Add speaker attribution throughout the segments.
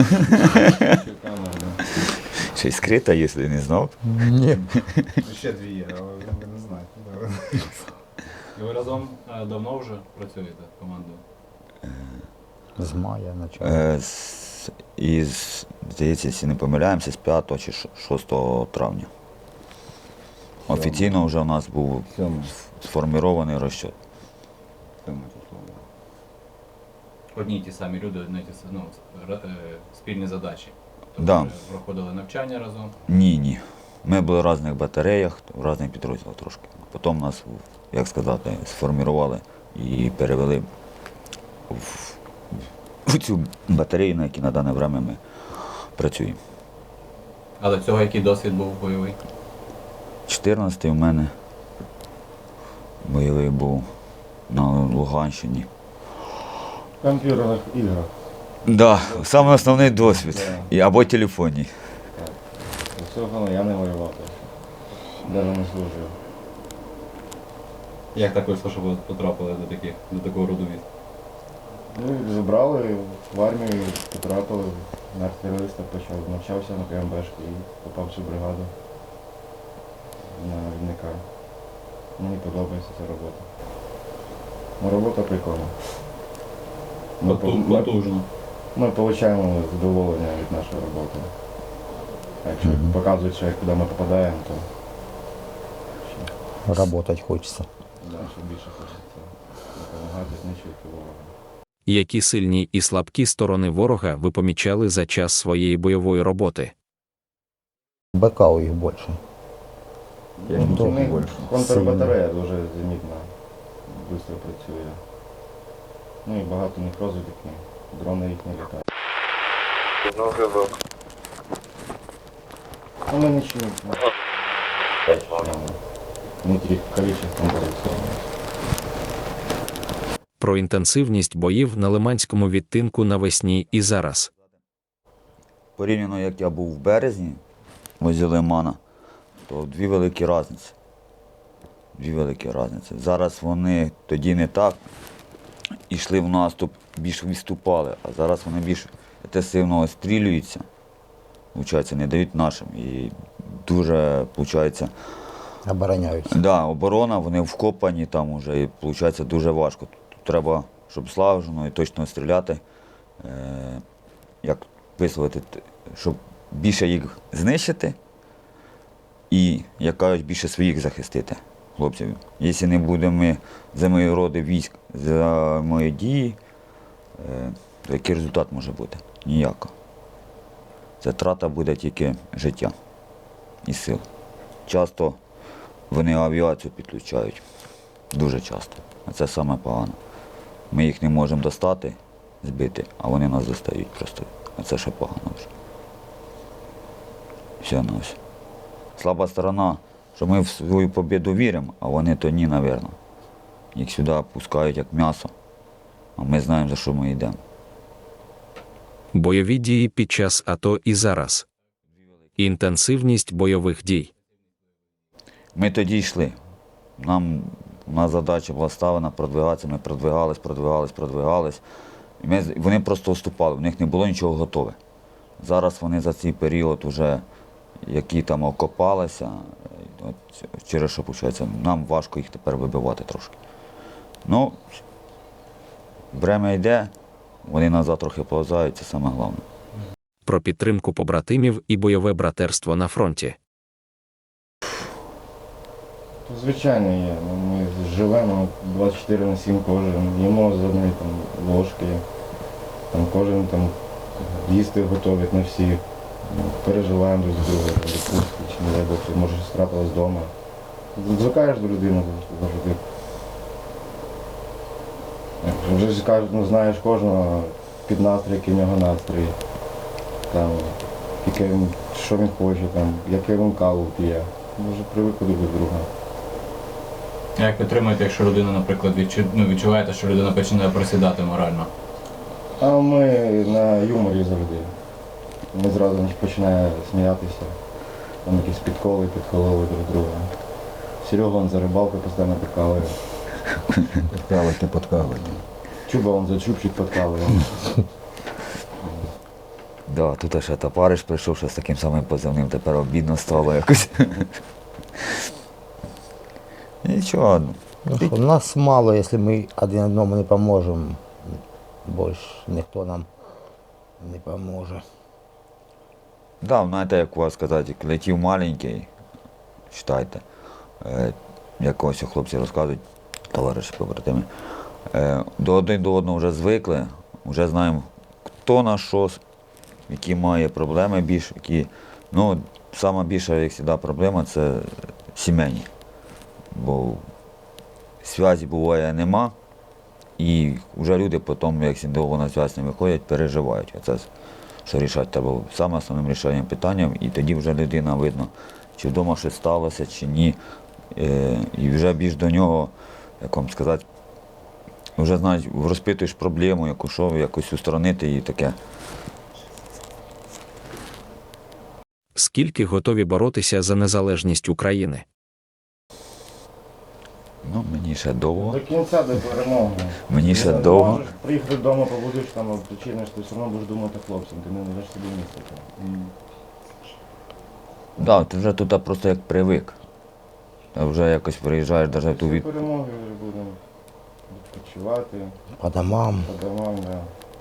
Speaker 1: Ще й скрита, якщо не знав.
Speaker 2: Ні.
Speaker 3: Ще дві є, але ви не знаєте.
Speaker 4: І ви разом давно вже працюєте командою?
Speaker 2: З мая почав.
Speaker 1: Із, здається, якщо не помиляємося, з 5 чи 6 травня. Офіційно вже у нас був сформований розчет.
Speaker 4: Одні й ті самі люди, одні й ті самі, спільні задачі. Тобто
Speaker 1: Да.
Speaker 4: ви проходили навчання разом.
Speaker 1: Ні. Ми були в різних батареях, в різних підрозділах трошки. Потім нас, як сказати, сформували і перевели в цю батарею, на якій на дане время ми працюємо.
Speaker 4: А до цього який досвід був бойовий?
Speaker 1: 14-й у мене бойовий був на Луганщині.
Speaker 3: В комп'ютерних іграх.
Speaker 1: Да, саме основний досвід.
Speaker 3: Да.
Speaker 1: Або телефонні.
Speaker 3: Всього я не воював. Навіть не служив.
Speaker 4: Як так вийшло, що ви потрапили до такого роду військ?
Speaker 3: Ну, забрали в армію, потрапили на артилериста, почав навчався на ПМБшки і попав в цю бригаду на рівника. Мені подобається ця робота. Ну, робота прикольна.
Speaker 4: Потужно.
Speaker 3: Ми отримуємо задоволення від нашої роботи. А якщо показують, що куди ми попадаємо, то
Speaker 2: Работать хочеться.
Speaker 3: ще більше хочеться допомагати, знищувати ворога.
Speaker 5: Які сильні і слабкі сторони ворога ви помічали за час своєї бойової роботи?
Speaker 2: БК у їх більше.
Speaker 3: У них контрбатарея дуже замітна, швидко працює. Ну і багато у них розвідки, дрони їх не літають. Ну ми нічого не тільки кількістю борються.
Speaker 5: Про інтенсивність боїв на Лиманському відтинку навесні і зараз.
Speaker 1: Порівняно, як я був в березні, возле Лимана, то дві великі різниці. Зараз вони тоді не так йшли в наступ, більш відступали, а зараз вони більш інтенсивно стрілюються, виходить, не дають нашим. І дуже, виходить,
Speaker 2: Обороняються.
Speaker 1: да, оборона, вони вкопані там вже, і виходить дуже важко. Тут треба, щоб слажено і точно стріляти, як висловити, щоб більше їх знищити і, як кажуть, більше своїх захистити, хлопців. Якщо не будемо за мої роди військ, за мої дії, то який результат може бути? Ніякого. Це трата буде тільки життя і сил. Часто вони авіацію підключають, дуже часто, а це саме погано. Ми їх не можемо достати, збити, а вони нас достають просто, а це ще погано вже. Все на все. Слаба сторона, що ми в свою побіду віримо, а вони то ні, мабуть. Їх сюди пускають як м'ясо, а ми знаємо, за що ми йдемо.
Speaker 5: Бойові дії під час АТО і зараз. Інтенсивність бойових дій.
Speaker 1: Ми тоді йшли. У нас задача була ставлена продвигатися, ми продвигались. І вони просто вступали, в них не було нічого готове. Зараз вони за цей період вже, які там окопалися, через що, виходить, нам важко їх тепер вибивати трошки. Ну, время йде, вони назад трохи повзають, це саме головне.
Speaker 5: Про підтримку побратимів і бойове братерство на фронті.
Speaker 3: Звичайно є. Ми живемо 24/7 кожен, їмо з одної там ложки, там кожен там їсти готовить на всіх. Переживаємо друг з другом, відпустки, чи не дай Бог, що може щось трапилось вдома. Звикаєш до людини завжди. Вже ж кажуть, ну знаєш кожного під настрій, який в нього настрій. Там, що він хоче, там, яке він каву п'є. Ми вже привикли до друга.
Speaker 4: А як ви тримаєте, якщо людина, наприклад, відчуваєте, що людина починає просідати морально?
Speaker 3: А ми на юморі завжди. Ми зразу починаємо сміятися, там якісь підкололи друг друга. Серега он за рибалкою постійно підкалує.
Speaker 2: Подкалувати.
Speaker 3: Чуба он за чубчик підкалує.
Speaker 1: Да, тут ще товариш прийшов, що з таким самим позивним, тепер обідно стало якось. Нічого.
Speaker 2: Ну, що, нас мало, якщо ми один одному не поможемо, більше ніхто нам не поможе.
Speaker 1: Да, знаєте, як у вас сказати, як летів маленький, читайте, як ось хлопці розказують, товариші побратими, один до одного вже звикли, вже знаємо, хто на що, які має проблеми більш, які, ну, сама більша, як завжди, проблема це сімейні, бо зв'язі буває нема, і вже люди потім, як довго на зв'язь не виходять, переживають. Оце що рішати треба саме основним рішенням питанням, і тоді вже людина видно, чи вдома щось сталося, чи ні. І вже більш до нього, як вам сказати, вже знаєш, розпитуєш проблему, яку що, якось устранити і таке.
Speaker 5: Скільки готові боротися за незалежність України?
Speaker 1: Ну, мені ще довго.
Speaker 3: До кінця, до перемоги.
Speaker 1: Мені ще
Speaker 3: Не
Speaker 1: довго.
Speaker 3: можеш приїхати вдома, побудеш там, причиниш, ти все одно будеш думати хлопцям, ти не даш собі місця.
Speaker 1: Так, ти вже туди просто як привик. А вже якось приїжджаєш навіть
Speaker 3: Після
Speaker 1: туди.
Speaker 3: перемоги вже будемо відпочивати,
Speaker 2: По домам
Speaker 3: по домам, да.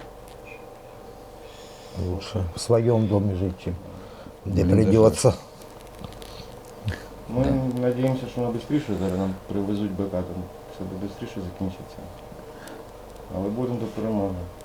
Speaker 2: лучше в своем доме жить, чем где
Speaker 1: Ну,
Speaker 2: придется.
Speaker 3: Ми сподіваємося, що воно швидше зараз нам привезуть БК, там все швидше закінчиться. Але будемо до перемоги.